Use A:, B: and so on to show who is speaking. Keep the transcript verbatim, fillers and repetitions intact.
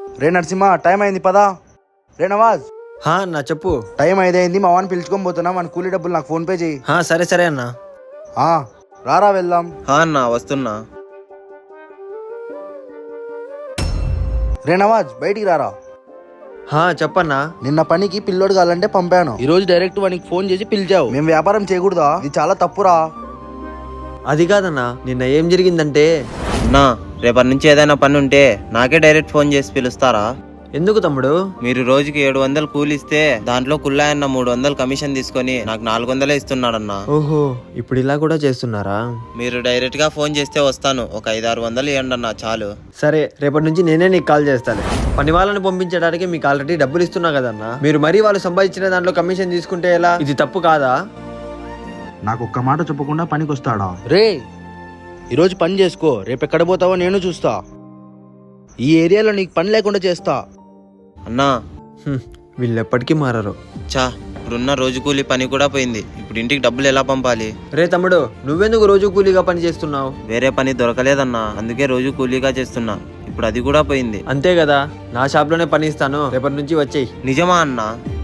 A: రే Narasimha, time అయింది పదా. రే నవాజ్,
B: హా అన్న చెప్పు.
A: టైం ఐదైంది, మా వాడిని పిలుచుకొని పోతున్నా. మన కూలీ డబ్బులు నాకు ఫోన్ పే చేయి.
B: హా సరే సరే అన్న.
A: ఆ, రారా వెళ్దాం.
C: హా అన్న వస్తున్నా.
A: రే నవాజ్, బయటికి రారా.
B: హా చెప్పన్నా.
A: నిన్న పనికి పిల్లోడు కావాలంటే పంపాను. ఈ రోజు డైరెక్ట్ వానికి ఫోన్ చేసి పిలిచావు. మేము వ్యాపారం చేయకూడదా? ఇది చాలా తప్పురా.
B: అది కాదన్నా, నిన్న ఏం జరిగిందంటే.
C: అన్నా రేపటి నుంచి ఏదైనా పని ఉంటే నాకే డైరెక్ట్ ఫోన్ చేసి పిలుస్తారా?
B: ఎందుకు తమ్ముడు?
C: మీరు రోజుకి ఏడు వందలు కూలిస్తే దాంట్లో కుల్లాయన్న మూడు వందలు కమిషన్ తీసుకొని నాకు నాలుగు వందలే ఇస్తున్నాడన్నా.
B: ఓహో, ఇప్పుడు ఇలా కూడా చేస్తున్నారా?
C: మీరు డైరెక్ట్ గా ఫోన్ చేస్తే వస్తాను. ఒక ఐదు ఆరు వందలు ఇవ్వండి అన్న చాలు.
B: సరే, రేపటి నుంచి నేనే నీకు కాల్ చేస్తాను. పని వాళ్ళని పంపించడానికి మీకు ఆల్రెడీ డబ్బులు ఇస్తున్నా కదన్నా. మీరు మరీ వాళ్ళు సంపాదించిన దాంట్లో కమిషన్ తీసుకుంటే ఎలా? ఇది తప్పు కాదా?
A: నాకు ఒక్క మాట చెప్పకుండా పనికి వస్తాడా? రే, ఈరోజు పని చేసుకో, రేపు ఎక్కడ పోతావో నేను చూస్తా. ఈ ఏరియాలో నీకు పని లేకుండా చేస్తా.
C: అన్నా
B: హ్మ్, వీళ్ళు ఎప్పటికీ మారరు.
C: చా, ఇప్పుడున్న రోజు కూలి పని కూడా పోయింది. ఇప్పుడు ఇంటికి డబ్బులు ఎలా పంపాలి?
B: రే తమ్ముడు, నువ్వెందుకు రోజు కూలీగా పని చేస్తున్నావు?
C: వేరే పని దొరకలేదన్నా, అందుకే రోజు కూలీగా చేస్తున్నా. ఇప్పుడు అది కూడా పోయింది.
B: అంతే కదా, నా షాప్ లోనే పని ఇస్తాను, రేపటి నుంచి వచ్చేయి.
C: నిజమా అన్నా?